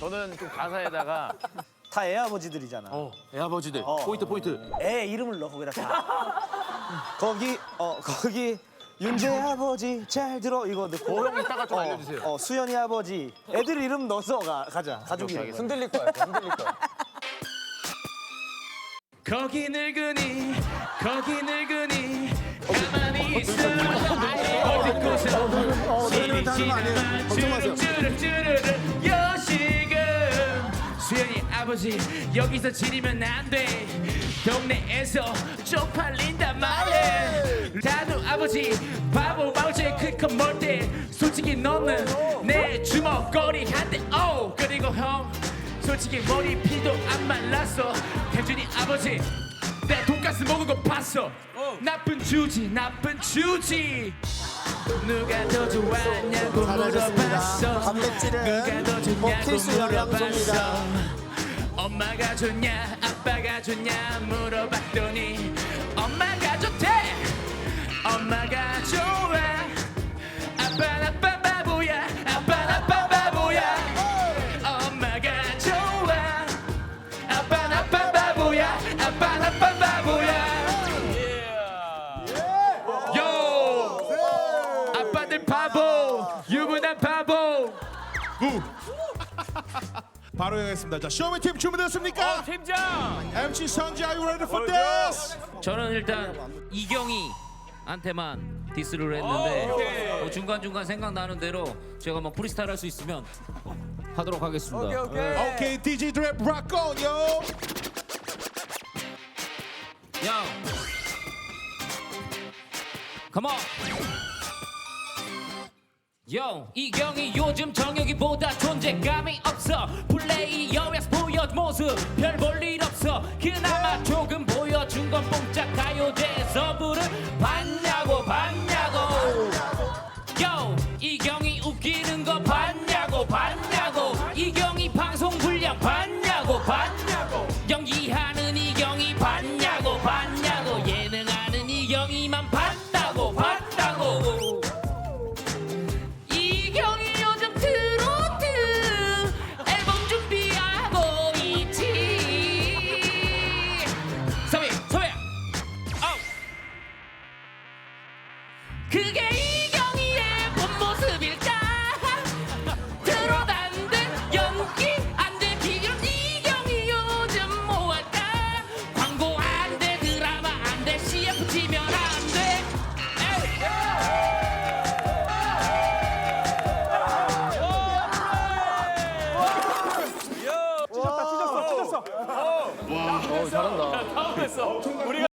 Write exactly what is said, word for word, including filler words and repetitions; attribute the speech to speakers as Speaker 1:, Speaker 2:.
Speaker 1: 저는 좀 가사에다가
Speaker 2: 다 애아버지들이잖아.
Speaker 1: 어, 애아버지들
Speaker 2: 어.
Speaker 1: 포인트 포인트.
Speaker 2: 애 이름을 넣어 거기다 다. 거기 어 거기 윤재 아버지 잘 들어 이거 넣고.
Speaker 1: 어, 형 이따가 좀
Speaker 2: 어,
Speaker 1: 알려주세요.
Speaker 2: 어 수연이 아버지 애들 이름 넣어서 가, 가자. 가족 이름.
Speaker 1: 흔들릴 거야. 흔들릴 거야. 거기 늙은이 거기 늙은이 가만히 있어 어디 곳에 시리지는 주르르르르르 여시금 수연이 아버지 여기서 지리면 안돼 동네에서 쪽팔린단 말해 다누 아버지 바보 마우제 클컵 멀때 솔직히 너는 내 주먹거리 한대 오 그리고 형 솔직히 머리피도 안 말랐어 태준이 아버지 내 돈가스 먹은 거 봤어 나쁜 주지 나쁜 주지 누가 더 좋았냐고 물어봤어 누가 더 좋냐고 물어봤어 엄마가 좋냐 아빠가 좋냐 물어봤더니 엄마가 좋대 엄마가 좋아 아빠 아빠 바보야 아빠 아빠 바보야 엄마가 좋아 아빠 아빠 바보야 아빠 아빠 바보야 요 아빠들 바보 유부남 바보
Speaker 3: 바로 가겠습니다. 자, 쇼미팀 준비됐습니까?
Speaker 1: 팀장
Speaker 3: 엠씨 성지, are you ready for this?
Speaker 4: 저는 일단 이경이한테만 디스를 했는데 뭐 중간중간 생각나는 대로 제가 뭐 프리스타일 할 수 있으면 하도록 하겠습니다.
Speaker 3: 오케이, 디제이 드랩 rock on, yo.
Speaker 4: 야, come on. 요, 이경이 요즘 정혁이보다 존재감이 없어 플레이어에서 보여준 모습 별 볼 일 없어 그나마 조금 보여준 건 뽕짝 가요제에서 부른 봤냐고 봤냐고 요, 이경이 웃기는 거 봤냐고 봤냐고 이경이 방송 분량 봤냐고 봤냐고 연기하는 이경이 봤냐고 봤냐고 예능하는 이경이만 봤다고 봤다고 이경이 요즘 트로트 앨범 준비하고 있지 서비 서비 아우 그게 이경이의 본 모습일까 트로트 안돼 연기 안돼 비결 이경이 요즘 뭐할까 광고 안돼 드라마 안돼 씨에프 치면 안돼
Speaker 1: 잘한다.